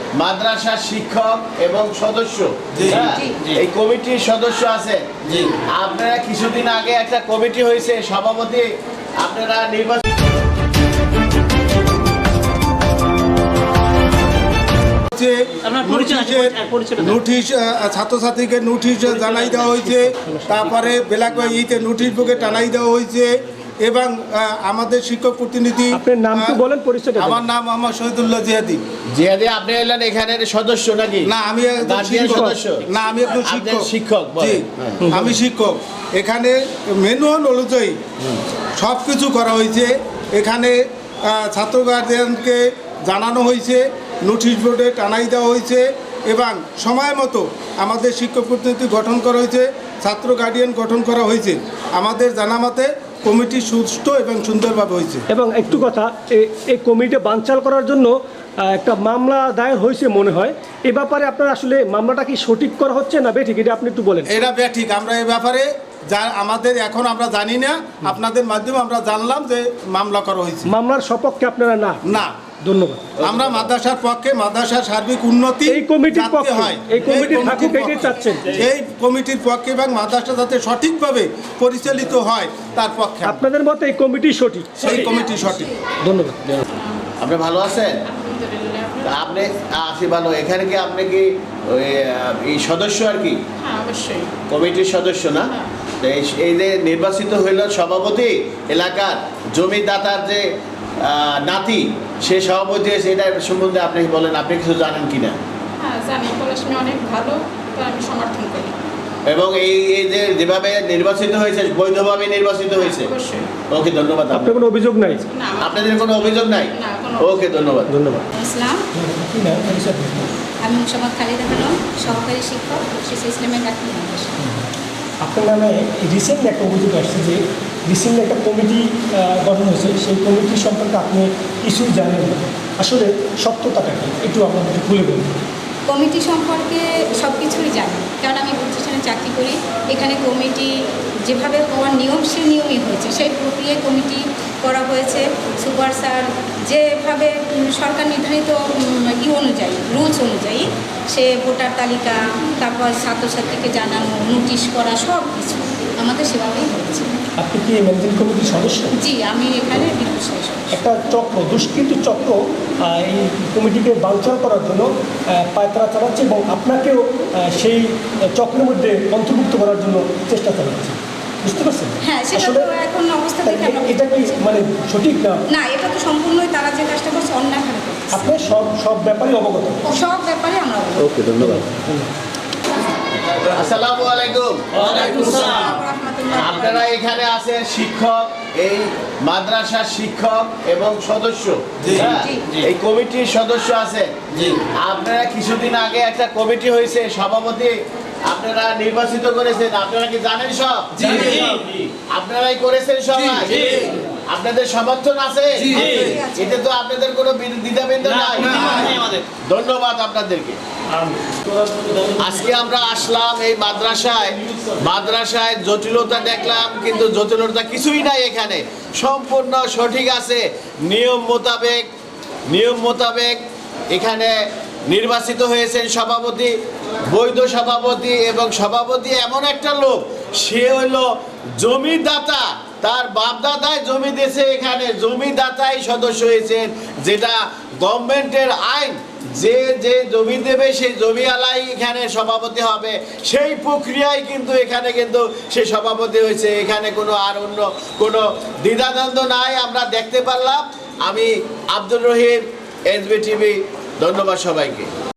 মাদ্রাসার শিক্ষক এবং সদস্য, এই কমিটির সদস্য আছে। আপনারা কিছুদিন আগে একটা কমিটি হয়েছে, সভাপতি আপনারা নির্বাচন নোটিশ ছাত্রছাত্রীকে নোটিশ জানাই দেওয়া হয়েছে, তারপরে ব্ল্যাক ইতে নোটিশ বুকে টানাই দেওয়া হয়েছে এবং আমাদের শিক্ষক প্রতিনিধি। আপনার নামটি বলেন, পরিচয়। আমার নাম মোহাম্মদ শহীদুল্লাহ জিহাদি। জিহাদি, আপনি হলেন এখানের সদস্য নাকি? না, আমি একজন সদস্য। না, আমি একজন শিক্ষক। জি, আমি শিক্ষক। এখানে ম্যানুয়াল অনুযায়ী সব কিছু করা হয়েছে। এখানে ছাত্র গার্জিয়ানকে জানানো হয়েছে, নোটিশ বোর্ডে টানাই দেওয়া হয়েছে এবং সময় মতো আমাদের শিক্ষক প্রতিনিধি গঠন করা হয়েছে, ছাত্র গার্ডিয়ান গঠন করা হয়েছে। আমাদের জানা মতে কমিটি সুষ্ঠু এবং সুন্দরভাবে হয়েছে। এবং একটু কথা, এই কমিটি বানচাল করার জন্য একটা মামলা দায়ের হয়েছে মনে হয়। এ ব্যাপারে আপনার আসলে মামলাটা কি সঠিক করা হচ্ছে না বেঠিক, এটা আপনি একটু বলেন। এটা বেঠিক। আমরা এই ব্যাপারে যা আমাদের এখন আমরা জানি না, আপনাদের মাধ্যমে আমরা জানলাম যে মামলা করা হয়েছে। মামলার সপক্ষে আপনারা না? না, ধন্যবাদ। আমরা মাদ্রাসার পক্ষে, মাদ্রাসার সার্বিক উন্নতি এই কমিটির পক্ষে হয়। এই কমিটি থাকুক, এটাই চাচ্ছেন? এই কমিটির পক্ষে এবং মাদ্রাসা যাতে সঠিকভাবে পরিচালিত হয় তার পক্ষে। আপনাদের মতে এই কমিটি সঠিক? এই কমিটি সঠিক। ধন্যবাদ। আপনি ভালো আছেন? আপনি আছি ভালো। এখানে কি আপনি কি এই সদস্য আর কি? অবশ্যই কমিটির সদস্য না? এই যে নির্বাচিত হইল সভাপতি, এলাকার জমিদাতার যে নাতি, সে সভাপতি হয়েছে, এটা সম্বন্ধে আপনি বলেন, আপনি কিছু জানেন কিনা? হ্যাঁ জানি, পড়াশোনা অনেক ভালো, তো আমি সমর্থন করি। এবং এই যে যেভাবে নির্বাচিত হয়েছে, বৈধভাবে নির্বাচিত হয়েছে। অবশ্যই। ওকে, ধন্যবাদ। আপনার কোনো অভিযোগ নাই? না, আপনাদের কোনো অভিযোগ নাই? না, কোনো। ওকে, ধন্যবাদ। ধন্যবাদ। ইসলাম, আমি মুসাম্মদ খালিদা বেগম, সহকারী শিক্ষক, শিশু ইসলামের ডাক্তার মাদ্রাসা। আপনার নামে রিসেন্ট একটা অভিযোগ আসছে যে রিসেন্ট একটা কমিটি গঠন হয়েছে, সেই কমিটি সম্পর্কে আপনি কিছুই জানেন না। আসলে সত্যতাটা কি একটু আপনাদের খুলে বলুন। কমিটি সম্পর্কে সব কিছুই জানি, কারণ আমি প্রতিষ্ঠানে চাকরি করি। এখানে কমিটি যেভাবে হওয়ার নিয়ম, সে নিয়মই হয়েছে, সেই প্রক্রিয়ায় কমিটি করা হয়েছে। সুপার স্যার যেভাবে সরকার নির্ধারিত অনুযায়ী, রুলস অনুযায়ী, সে ভোটার তালিকা, তারপর ছাত্রছাত্রীকে জানানো, নোটিশ করা, সব কিছু আমাদের সেভাবেই হয়েছে। আপনি কি ম্যানেজিং কমিটির সদস্য? জি, আমি এখানে বিদ্যুৎ সদস্য। একটা চক্র, দুষ্কৃত চক্র এই কমিটিকে বানচাল করার জন্য পায়তারা চালাচ্ছে এবং আপনাকেও সেই চক্রের মধ্যে অন্তর্ভুক্ত করার জন্য চেষ্টা চালাচ্ছে, বুঝতে পারছেন? হ্যাঁ, সেটা তো এখন অবস্থা দেখে আমরা এটা কি মানে সঠিক না? না, এটা তো সম্পূর্ণই তারা যে কাজটা করছে অন্যায়ভাবে করছে। আপনি সব ব্যাপারে অবগত? সব ব্যাপারে আমরা অবগত। ওকে, ধন্যবাদ। আসসালামু আলাইকুম। ওয়ালাইকুম আসসালাম। আপনারা এখানে আছেন শিক্ষক, এই মাদ্রাসার শিক্ষক এবং সদস্য। এই কমিটির সদস্য আছে। আপনারা কিছুদিন আগে একটা কমিটি হয়েছে, সভাপতি আপনারা নির্বাচিত করেছেন। আপনারা কি জানেন সব? আপনারাই করেছেন সবাই? আপনাদের সমর্থন আছে? এতে তো আপনাদের কোনো দ্বিধাদ্বন্দ্ব নাই। ধন্যবাদ আপনাদেরকে। আজকে আমরা আসলাম এই মাদ্রাসায় জটিলতা দেখলাম, কিন্তু জটিলতা কিছুই নাই। এখানে সম্পূর্ণ সঠিক আছে, নিয়ম মোতাবেক এখানে নির্বাচিত হয়েছেন সভাপতি, বৈধ সভাপতি। এবং সভাপতি এমন একটা লোক, সে হইল জমিদাতা, তার বাপদাদায় জমি দিয়েছে, এখানে জমিদাতাই সদস্য হয়েছেন, যেটা গভর্নমেন্টের আইন। যে জমি দেবে সেই জমিওয়ালাই এখানে সভাপতি হবে, সেই প্রক্রিয়ায় কিন্তু এখানে কিন্তু সে সভাপতি হয়েছে। এখানে কোনো আর অন্য কোনো দ্বিধাদ্বন্দ্ব নাই, আমরা দেখতে পারলাম। আমি আব্দুর রহিম, SB TV, ধন্যবাদ সবাইকে।